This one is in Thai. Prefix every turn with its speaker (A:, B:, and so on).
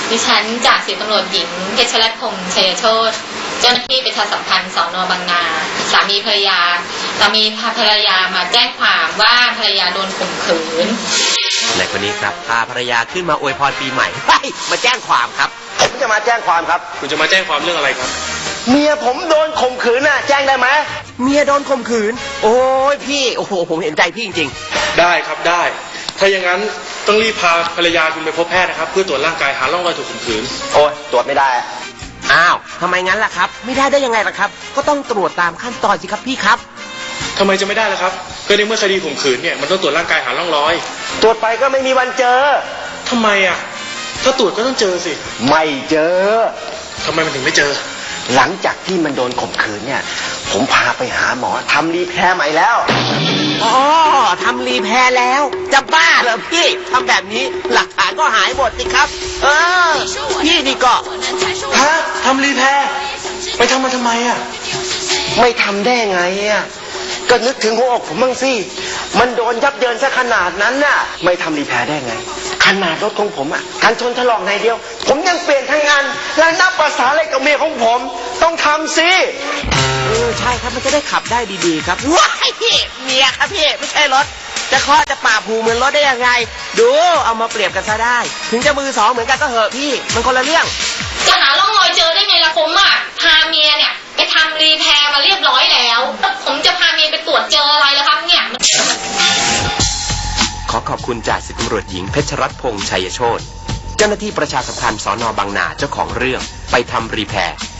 A: ดิฉันจากสิบตำรวจหญิงเพชรรัตน์พงษ์ชัยโชติเจ้าหน้าที่ประชาสัมพันธ์สน.บางนาสามีภรรยามาแจ้งความว่าภรรยาโดนข่มขืน
B: ในคนนี้ครับพาภรรยาขึ้นมาอวยพรปีใหม่มาแจ้งความครับ
C: ผมจะมาแจ้งความครับ
D: คุณจะมาแจ้งความเรื่องอะไรครับ
C: เมียผมโดนข่มขืนน่ะแจ้งได้ไหม
B: เมียโดนข่มขืนโอ้ยพี่โอ้โหผมเห็นใจพี่จริง
D: ๆได้ครับได้ถ้าอย่างนั้นต้องรีบพาภรรยาคุณไปพบแพทย์นะครับเพื่อตรวจร่างกายหาร่องรอยถูกข่มขืน
C: โอ้ยตรวจไม่ได้
B: อ้าวทำไมงั้นล่ะครับไม่ได้ยังไงล่ะครับก็ต้องตรวจตามขั้นตอนสิครับพี่ครับ
D: ทำไมจะไม่ได้ล่ะครับก็ในเมื่อคดีข่มขืนเนี่ยมันต้องตรวจร่างกายหาร่องรอย
C: ตรวจไปก็ไม่มีวันเจอ
D: ทำไมอ่ะถ้าตรวจก็ต้องเจอสิ
C: ไม่เจอ
D: ทำไมมันถึงไม่เจอ
C: หลังจากที่มันโดนข่มขืนเนี่ยผมพาไปหาหมอทำรีแพร์ใหม่แล้ว
B: อ๋อทำรีแพร์แล้วจะบ้าเหรอพี่ทำแบบนี้หลักฐานก็หายหมดสิครับพี่นี่ก็
D: ฮะทำรีแพร์ไปทำมาทำไมอ่ะ
C: ไม่ทำได้ไงอ่ะก็นึกถึงหัวอกผมบ้างสิมันโดนยับเยินซะขนาดนั้นน่ะไม่ทำรีแพร์ได้ไงขนาดรถของผมอ่ะกันชนถลอกในเดียวผมยังเปลี่ยนทั้งงานแล้วนับภาษาอะไรกับเมียของผมต้องทำสิ
B: ใช่ครับมันจะได้ขับได้ดีๆครับว้ายพี่เมียครับพี่ไม่ใช่รถจะข้อจะป่าผูเหมือนรถได้ยังไงดูเอามาเปรียบกันซะได้ถึงจะมือสองเหมือนกันก็เหอะพี่มันคนละเรื่อง
A: จะหาร่องรอยเจอได้ไงล่ะผมอ่ะพาเมียเนี่ยไปทำรีแพร์มาเรียบร้อยแล้วผมจะพาเมียไปตรวจเจออะไรล่ะครับเนี่ย
B: ขอขอบคุณจ่าสิบตำรวจหญิงเพชรรัตน์พงษ์ชัยโชติเจ้าหน้าที่ประชาสัมพันธ์สน.บางนาเจ้าของเรื่องไปทำรีแพร์